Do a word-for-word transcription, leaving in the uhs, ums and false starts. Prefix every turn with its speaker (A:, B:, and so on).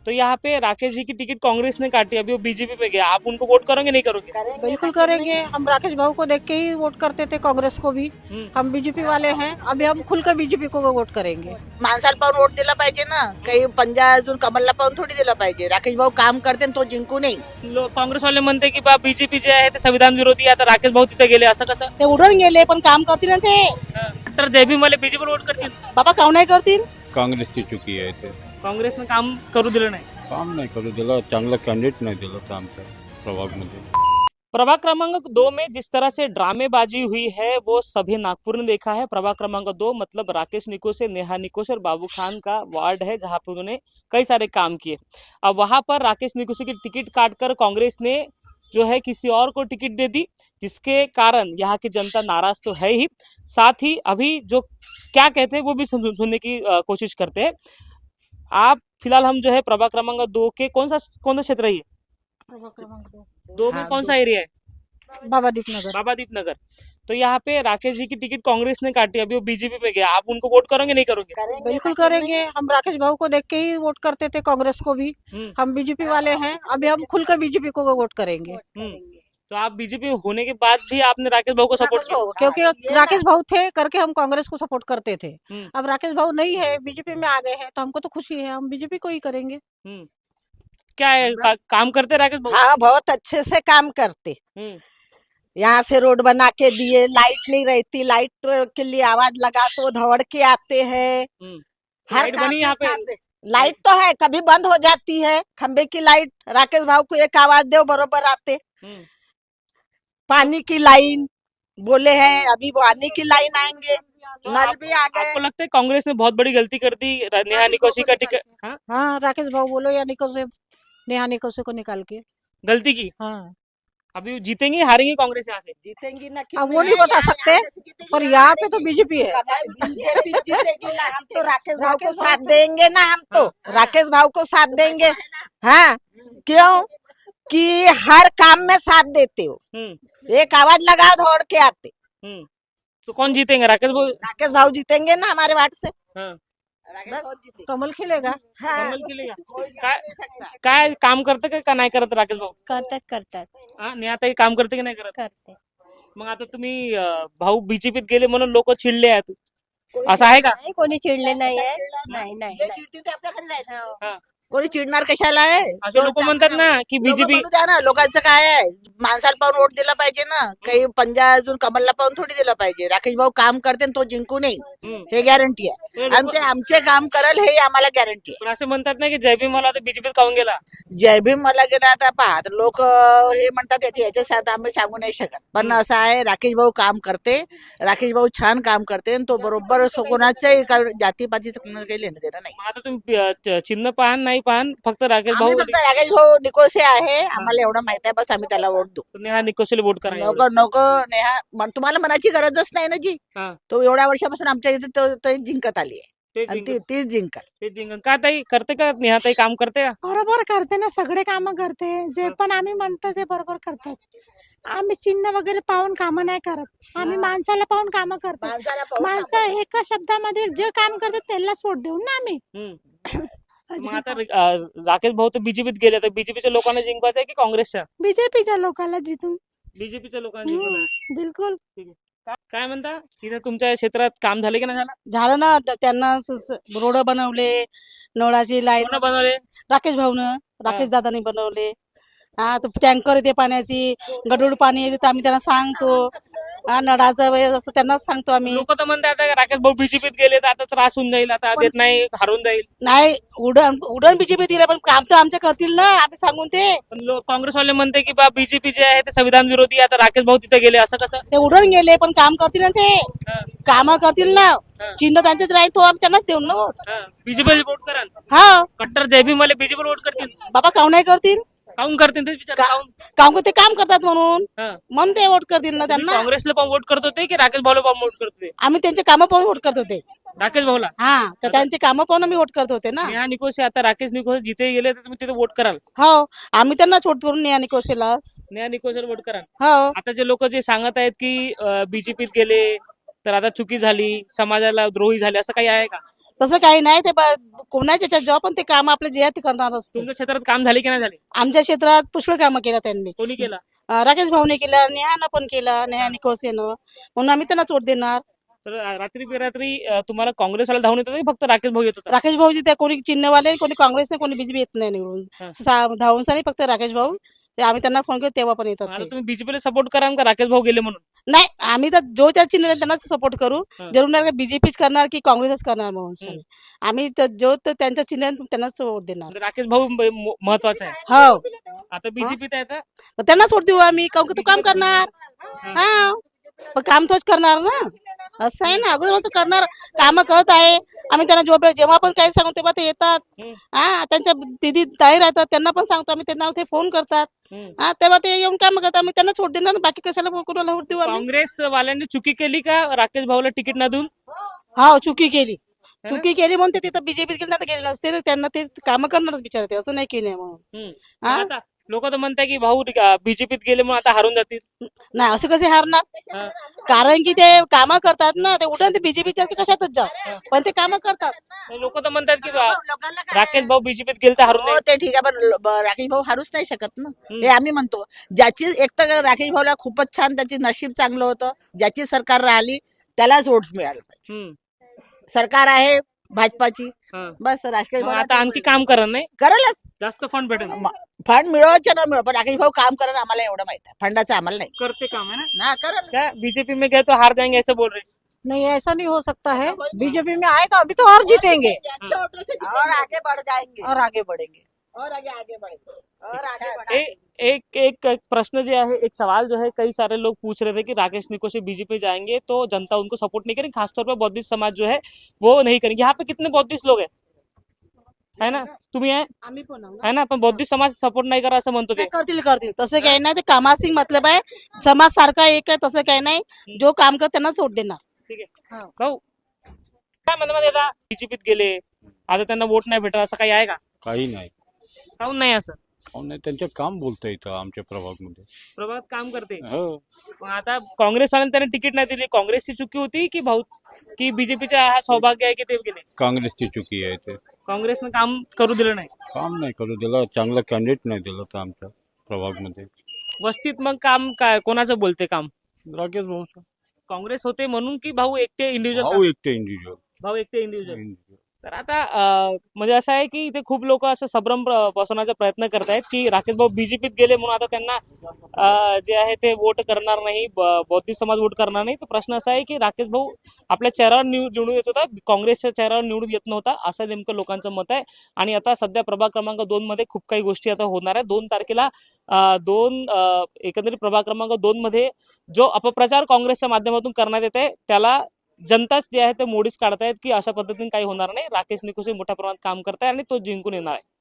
A: तो यहाँ पे राकेश जी की टिकट कांग्रेस ने काटी, अभी वो बीजेपी में गया, आप उनको वोट करोगे नहीं करोगे?
B: बिल्कुल करेंगे। हम राकेश भाऊ को देख के ही वोट करते थे, कांग्रेस को भी।
A: हम्म।
B: हम बीजेपी वाले हैं, अभी हम खुलकर बीजेपी को वोट करेंगे।
C: माणसाला पाहून वोट दिला पाहिजे ना, काही पंजा अजून कमलला पाहून थोडी दिला पाहिजे. राकेश भाऊ काम करते तो जिंकू नाही.
A: लो- काँग्रेसवाले म्हणते की बा बीजेपी जे आहे ते संविधान विरोधी आहे, आता राकेश भाऊ तिथे गेले, असं कसं?
B: ते उडून गेले पण काम करतील ना ते.
A: तर जयभीम वाले बीजेपी वोट करतील,
B: बाबा काव नाही करतील.
D: काँग्रेसची चुकी आहे ते.
A: काँग्रेसनं काम करू दिलं नाही.
D: काम नाही करू दिलं, चांगलं कॅन्डिडेट नाही दिलं तर आमच्या प्रभागमध्ये.
A: प्रभाग क्रमांक दो में जिस तरह से ड्रामेबाजी हुई है वो सभी नागपुर ने देखा है। प्रभाग क्रमांक दो मतलब राकेश निकोसे, नेहा निकोसे और बाबू खान का वार्ड है, जहां पर उन्होंने कई सारे काम किए। अब वहां पर राकेश निकोसे की टिकट काटकर कांग्रेस ने जो है किसी और को टिकट दे दी, जिसके कारण यहाँ की जनता नाराज तो है ही, साथ ही अभी जो क्या कहते हैं वो भी सुन- सुनने की अ, कोशिश करते हैं। आप फिलहाल हम जो है प्रभाग क्रमांक दो के कौन सा कौन सा क्षेत्र है ये? दो में
C: हाँ,
A: कौन
C: दो।
A: सा एरिया है?
B: बाबादीप नगर।
A: बाबादीप नगर। तो यहाँ पे राकेश जी की टिकट कांग्रेस ने काटी, अभी वो बीजेपी में गया, आप उनको वोट करोगे नहीं करोगे?
B: बिल्कुल करेंगे। हम राकेश भाऊ को देख के ही वोट करते थे, कांग्रेस को भी।
A: हम्म,
B: हम बीजेपी वाले हैं, अभी हम खुलकर बीजेपी को वोट करेंगे।
A: हम्म। तो आप बीजेपी में होने के बाद भी आपने राकेश भाऊ को सपोर्ट
B: राकेश
A: किया?
B: भाऊ, क्योंकि राकेश भाऊ थे करके हम कांग्रेस को सपोर्ट करते थे।
A: हम्म,
B: अब राकेश भाऊ नहीं है, बीजेपी में आ गए हैं, तो हमको तो खुशी है, हम बीजेपी को ही करेंगे।
A: हम्म। क्या है का, काम करते राकेश भाऊ?
C: हाँ, बहुत अच्छे से काम करते.
A: हम्म,
C: यहाँ से रोड बना के दिए, लाइट नहीं रहती, लाइट के लिए आवाज लगा तो दौड़ के आते हैं.
A: हम्म।
C: हर
A: लाइट
C: काम
A: बनी
C: में
A: यहाँ पे?
C: साथ दे. लाइट तो है, कभी बंद हो जाती है खंबे की लाइट. राकेश भाव को एक आवाज दो बरोबर आते.
A: हम्म।
C: पानी की लाइन बोले हैं, अभी पानी की लाइन आएंगे.
A: तो
C: नल
A: आप-
C: भी आ गए.
A: आपको लगता है कांग्रेस ने बहुत बड़ी गलती कर दी नेहा निकोसी का टिकट? हाँ,
B: हाँ, राकेश भाऊ बोलो या निको से, नेहा निकोसे को निकाल के।
A: गलती की।
B: हाँ,
A: अभी जीतेंगे हारेंगे कांग्रेस यहाँ से?
C: जीतेंगी ना
B: अब वो नहीं बता सकते, पर यहाँ पे तो बीजेपी है।
C: बीजेपी जीतेगी ना. हम तो राकेश भाव को साथ देंगे ना. हम तो राकेश भाव को साथ देंगे. हाँ, क्यों कि हर काम में साथ देते हो.
A: हम्म,
C: एक आवाज लगाओ दौड़ के आते.
A: हम्म। तो कौन जीतेंगे, राकेश भाऊ?
C: राकेश भाव जीतेंगे ना हमारे वार्ड से.
A: हाँ,
C: बस.
B: कमल खिलेगा।
C: हाँ.
A: कमल खिलेगा. काय काय काम करते का का नाही करत राकेश भाऊ?
E: करतात करतात
A: हा, नेहाताई काम करते की नाही करत?
E: करते
A: मग आता तुम्ही अं, भाऊ बीजेपीत गेले म्हणून लोक चिडले आहेत, असं आहे का?
E: नाही कोणी चिडले नाहीये नाही नाही
C: जे
E: नाही.
C: चिडतील ते आपल्याकडे राहतील.
E: हो.
A: हा.
C: कोणी चिडणार कशाला आहे.
A: असे लोक म्हणतात ना की बीजेपी
C: लोकं बोलू द्या ना. लोकांचं काय आहे, माणसाला पाहून वोट दिला पाहिजे ना, काही पंजा अजून कमलला पाहून थोडी दिला पाहिजे. राकेश भाऊ काम करते तो जिंकू नाही, हे गॅरंटी आहे. आणि ते आमचे काम करल हे आम्हाला गॅरंटी आहे.
A: पण असे म्हणतात ना की जयभीम मला आता बीजेपीत काहून गेला?
C: जय भीम मला गेला आता पहा लोक हे म्हणतात याच्या याच्या साथ आम्ही सांगू नाही शकत. पण असं आहे, राकेश भाऊ काम करते. राकेश भाऊ छान काम करते आणि तो बरोबर सो- कोणाच्याही का- जातीपातीचं कोणाला काही लेणं देणं नाही.
A: मग आता तुम्ही अं, च- चिन्ह पाहान नाही पाहान, फक्त राकेश
C: आम्ही
A: भाऊ
C: फक्त राकेश भाऊ निकोसे आहे, आम्हाला एवढं माहित आहे, बस आम्ही त्याला वोट देऊ.
A: नेहा निकोशीला वोट करा एवढं.
C: नको नको नेहा मन- तुम्हाला मनाची गरजच नाही ना जी.
A: हा.
C: तो एवढ्या वर्षापासून आमच्या इथे तो- तो जिंकत आली आहे
A: ते
C: आणि ती
A: जिंकन-
C: तीच जिंकल.
A: ते जिंकन. का ताई करते का नेहाताई काम करते का?
F: बरोबर करते ना, सगळे काम करते. जे पण आम्ही म्हणतो ते बरोबर करतात. आम्ही चिन्ह वगैरे पाहून कामं नाही करत, आम्ही माणसाला पाहून कामं करतो.
C: माणसाला पाहून
F: माणसं एका शब्दामध्ये जे काम करतात त्यालाच वोट देऊन ना आम्ही.
A: हम्म. मग आता अं, राकेश भाऊ तर बीजेपीत गेले, तर बीजेपीच्या लोकांना जिंकवायचं आहे की काँग्रेसच्या?
F: बीजेपीच्या लोकांना जिथून
A: बीजेपीच्या लोकांना जिंकवणार आहे.
F: हम्म, बिलकुल.
A: का- काय म्हणता, तिथे तुमच्या क्षेत्रात काम झाले की नाही झालं?
B: झालं ना, त- त्यांना रोड बनवले, नळाची लाईन
A: कोण बनवले?
B: राकेश भाऊनं, राकेश दादानी बनवले. हा, तो टँकर येते पाण्याची, गडूळ पाणी येते तर आम्ही त्यांना सांगतो. हा, नळाचं वगैरे असतं त्यांनाच सांगतो आम्ही.
A: लोक तर म्हणतात आता राकेश भाऊ बीजेपीत गेले तर आता त्रास होऊन जाईल, आता देत नाही, हरून जाईल.
B: नाही, उडण उडण बीजेपी दिलं पण काम तर आमचे करतील ना, आम्ही सांगून ते.
A: पण लोक काँग्रेसवाले म्हणते की बा बीजेपी जे आहे ते संविधान विरोधी आहे, आता राकेश भाऊ तिथे गेले, असं कसं?
B: ते उडून गेले पण काम करतील ना ते.
A: हा,
B: काम करतील ना.
A: हा,
B: चिन्ह त्यांचेच राहील, तो आम्ही त्यांनाच देऊ ना वोट.
A: हा. बीजेपीला वोट करा.
B: हा,
A: कट्टर जयभीम वाले बीजेपीला वोट करतील.
B: बाबा काव नाही करतील.
A: काऊन करतील ते विचार?
B: का-
A: काऊन?
B: काम ते काम करतात म्हणून
A: हा.
B: म्हणून ते वोट करतील ना
A: तुम्ही
B: त्यांना.
A: काँग्रेसला पण वोट करत होते की राकेश भाऊला पण वोट करत होते?
B: आम्ही त्यांचे कामं पाहून वोट करत होते.
A: राकेश भाऊला.
B: हा, तर त्यांचे कामं पाहून आम्ही वोट करत होते ना.
A: नेहा निकोसे, आता राकेश निकोसे जिथे गेले तर तुम्ही तिथे वोट कराल?
B: हो, आम्ही त्यांनाच वोट करून नेहा निकोसेलाच.
A: नेहा निकोसेला वोट कराल.
B: हो,
A: आता जे लोक जे सांगत आहेत की बीजेपीत गेले तर आता चुकी झाली, समाजाला द्रोही झाले, असं काही आहे का?
B: तसं काही नाही ते ब- कोणाच्या याच्यात जेव्हा पण ते काम आपले जे आहे ते करणार असते.
A: तुमच्या क्षेत्रात काम झाले की नाही झाले?
B: आमच्या क्षेत्रात पुष्कळ कामं केलं त्यांनी.
A: कोणी केला?
B: अं, राकेश भाऊने केलं, नेहानं पण केलं, नेहा निकोसेनं, म्हणून आम्ही त्यांनाच वोट देणार.
A: तर रात्री बेरात्री अं, तुम्हाला काँग्रेसवाला धावून येत होता की फक्त राकेश भाऊ येत होता?
B: राकेश भाऊजी त्या कोणी चिन्हवाले, कोणी काँग्रेसने, कोणी बीजेपी येत नाही
A: हा.
B: निवडून. सा- धावून सारी फक्त राकेश भाऊ. ते आम्ही त्यांना फोन केला तेव्हा पण येतात
A: आता
B: ते.
A: तुम्ही बीजेपीला सपोर्ट करा का राकेश भाऊ गेले म्हणून?
B: नाही, आम्ही तर जो त्या चिन्ह आहे त्यांनाच सपोर्ट करू.
A: हा.
B: जरूर नाही बीजेपीच करणार की काँग्रेसच करणार म्हणून
A: हम्म.
B: सर. आम्ही तर जो तो त्यांच्या चिन्ह आहे त्यांनाच वोट देणार.
A: म्हणजे राकेश भाऊ म- म- महत्वाचा आहे.
B: हो,
A: आता बीजेपीत आहे तर
B: तर त्यांनाच वोट देऊ आम्ही, काहून की तो काम करणार. हा, पण काम तोच करणार ना, असं आहे ना. अगोदर तो करणार, काम करत आहे. आम्ही त्यांना जो जेव्हा पण काही सांगू तेव्हा ते येतात.
A: हम्म.
B: हा, त्यांच्या दिदी ताई राहतात त्यांना पण सांगतो आम्ही, त्यांना ते फोन करतात.
A: हम्म.
B: हा, तेव्हा ते येऊन काम करतात. आम्ही त्यांनाच वोट देणार, बाकी कशाला कोणाला वोट देऊ आम्ही.
A: काँग्रेस वाल्यांनी चुकी केली का राकेश भाऊला तिकीट न देऊन?
B: हा, चुकी केली.
A: है ना?
B: चुकी केली म्हणून ते तिथं बीजेपीत गेले, नाही तर गेले नसते. तर त्यांना ते काम करणारच बिचारे ते, असं नाही केलं नाही म्हणून.
A: हम्म.
B: हा?
A: आता लोक तर म्हणताय की भाऊ बीजेपीत गेले म्हणून आता हारून जातील.
B: नाही, असं कसे हारणार.
A: हा.
B: कारण की ते कामं करतात ना, ते उठून ते बीजेपीच्या कशातच जा, पण ते कामं करतात.
A: लोक तर म्हणतात की बा-
C: लोकांना काय?
A: राकेश भाऊ बीजेपीत गेले तर हारून
C: हो,
A: जाईल.
C: ते ठीक आहे, पण ल- ब- राकेश भाऊ हारूच नाही शकत ना.
A: हम्म.
C: हे आम्ही म्हणतो, ज्याची एक तर राकेश भाऊला खूपच छान त्याची नशीब चांगलं होतं, ज्याची सरकार राहिली त्यालाच वोट मिळालं पाहिजे.
A: हम्म.
C: सरकार आहे भाजपाची,
A: हा.
C: बस राकेश
A: मग
C: भाऊ
A: आता आणखी काम करा नाही,
C: करेलच.
A: जास्त फंड भेटेल.
C: फंड मिळवायचे ना मिळव, पण राकेश भाऊ काम करेल आम्हाला एवढं माहित आहे. फंडाचं आम्हाला नाही
A: करते काम है ना?
C: ना, करेल.
A: क्या बीजेपी में गए तो हार जाएंगे ऐसे बोल रहे?
B: नहीं, ऐसा नहीं हो सकता है. बीजेपी में आए तो अभी तो और जीतेंगे
C: और आगे बढ़ जाएंगे
B: और आगे बढ़ेंगे.
C: और आगे आगे बढ़ेंगे और आगे
A: ए,
C: बढ़ेंगे.
A: एक एक एक प्रश्न जो है, एक सवाल जो है, कई सारे लोग पूछ रहे थे कि राकेश निकोसे बीजेपी जाएंगे तो जनता उनको सपोर्ट नहीं करेगी, खासतौर पर बौद्धिस्ट समाज जो है वो नहीं करेंगे. यहाँ पे कितने बौद्धिस्ट लोग हैं, है ना? तुम्ही आहे
B: आम्ही पण आहोत.
A: है ना, पण बौद्धिस्ट समाज सपोर्ट नाही करा असं म्हणतो ते.
B: नाही, करतील करतील, तसं काही नाही. ते कामासिंग मतलब आहे, समाज सारखा एक आहे, तसं काही नाही. जो काम कर त्यांनाच वोट देणार.
A: ठीक आहे
B: हा.
A: भाऊ, काय म्हणतात आता बीजेपीत गेले, आता त्यांना वोट नाही भेटत असं काही आहे का?
D: काही नाही.
A: काहून नाही असं?
D: काहून नाही, त्यांचं काम बोलतं इथं आमच्या प्रभागमध्ये.
A: प्रभात काम करते.
D: हो,
A: पण आता काँग्रेसवाल्यांनी त्यांना तिकीट नाही दिली, काँग्रेसची चुकी होती की भाऊ की बीजेपीचा हा सौभाग्य आहे की ते गेले?
D: काँग्रेसची चुकी आहे ते.
A: काँग्रेसनं काम करू दिलं नाही.
D: काम नाही करू दिलं, चांगलं कॅन्डिडेट नाही दिलं तर आमच्या प्रभागमध्ये.
A: वस्तीत मग काम काय कोणाचं बोलते काम?
D: राकेश भाऊ
A: काँग्रेस होते म्हणून की भाऊ एकटे
D: भाऊ
A: इंडिव्हिज्युअल?
D: एकटे इंडिव्हिज्युअल.
A: भाऊ एकटे इंडिव्हिज्युअल. तर आता अं, म्हणजे असं आहे की इथे खूप लोक असं संभ्रम प्र- पसरवण्याचा प्रयत्न करतायत की राकेश भाऊ बीजेपीत गेले म्हणून आता त्यांना अं, जे आहे ते वोट करणार नाही, ब- बौद्धिस्ट समाज वोट करणार नाही. तर प्रश्न असा आहे की राकेश भाऊ आपल्या चेहऱ्यावर निव- निवडून येत होता, काँग्रेसच्या चेहऱ्यावर निवडून येत नव्हता, असं नेमकं लोकांचं मत आहे. आणि आता सध्या प्रभाग क्रमांक दोन मध्ये खूप काही गोष्टी आता होणार आहे. दोन तारखेला अं, दोन अं, एकंदरीत प्रभाग क्रमांक दोन मध्ये जो अपप्रचार काँग्रेसच्या माध्यमातून करण्यात येत आहे त्याला जनताच जे आहे ते मोडीच काढतायत की अशा पद्धतीने काही होणार नाही. राकेश निकोसे मोठ्या प्रमाणात काम करताय आणि तो जिंकून येणार आहे.